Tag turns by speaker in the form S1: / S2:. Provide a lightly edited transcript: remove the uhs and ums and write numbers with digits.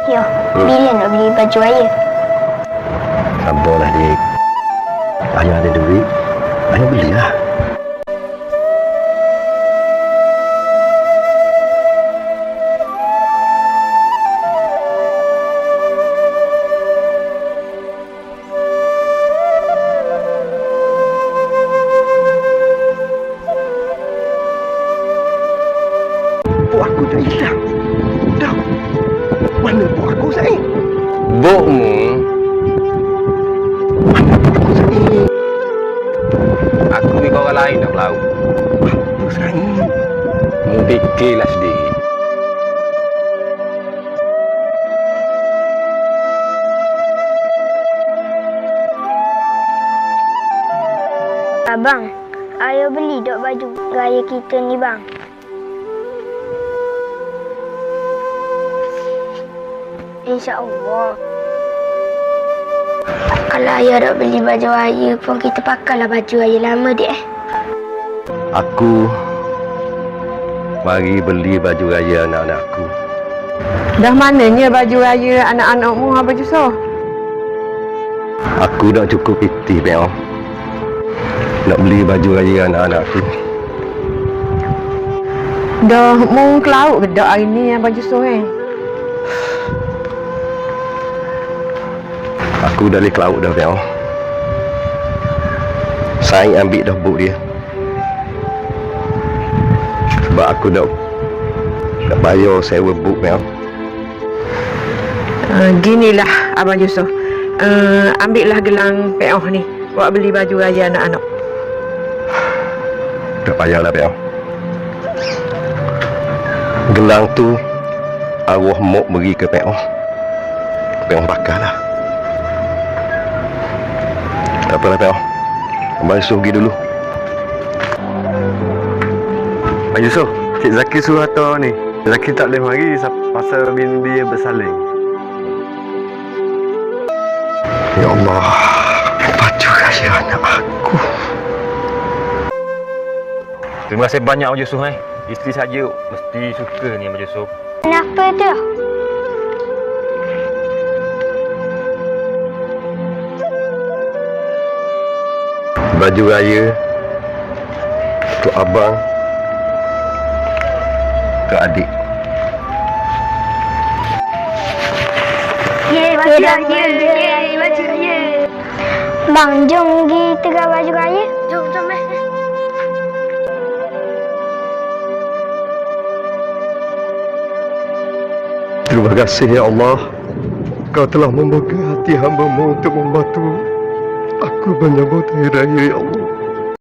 S1: Yo, bila nak beli baju raya?
S2: Sabarlah, dik. Ayah ada duit, ayah belilah. Buat aku dah hilang. Dah. Mana buat aku, Said?
S3: Bokmu,
S2: Mana buat aku, Said?
S3: aku ni orang lain nak melaut.
S2: Apa, Said?
S3: Mu fikirlah sendiri.
S1: Abang, ayah beli dok baju raya kita ni bang. InsyaAllah. Kalau ayah dok beli baju raya pun kita pakailah baju raya lama dek.
S2: Aku mari beli baju raya anak-anak aku.
S4: Dah mananya baju raya anak-anakmu, Abang Yusof?
S2: Aku dah cukup piti, Bel. Nak beli baju raya anak-anak aku.
S4: Dah mu ke laut ke dak hari ni, Abang Yusof
S2: Aku dah balik ke laut dah, Bel. Saya ambil dah buk dia. Sebab aku dah bayar sewa buk, Bel.
S4: Ginilah Abang Yusof. Ambillah gelang peoh ni buat beli baju raya anak-anak.
S2: Tak payahlah, Bel. Gelang tu arwah Mok beri ke Peoh. Peoh bakarlah. Tak apalah, Peoh. Abang Yusof pergi dulu.
S5: Abang Yusof, Cik Zaki suruh hantar ni. Zaki tak boleh mari pasal bini dia bersalin.
S2: Ya Allah, baju raya anak aku.
S3: Terima kasih banyak Abang Yusof. Isteri saja mesti suka ni Abang Yusof.
S1: Kenapa tu?
S2: Baju raya untuk abang, untuk adik.
S1: Yeay, baju raya. Yeay, baju raya. Bang, jom pergi tegar baju raya. Jom.
S2: Terima kasih, Ya Allah. Kau telah membuka hati hamba-Mu untuk membantu aku menyambut hari raya, Ya Allah.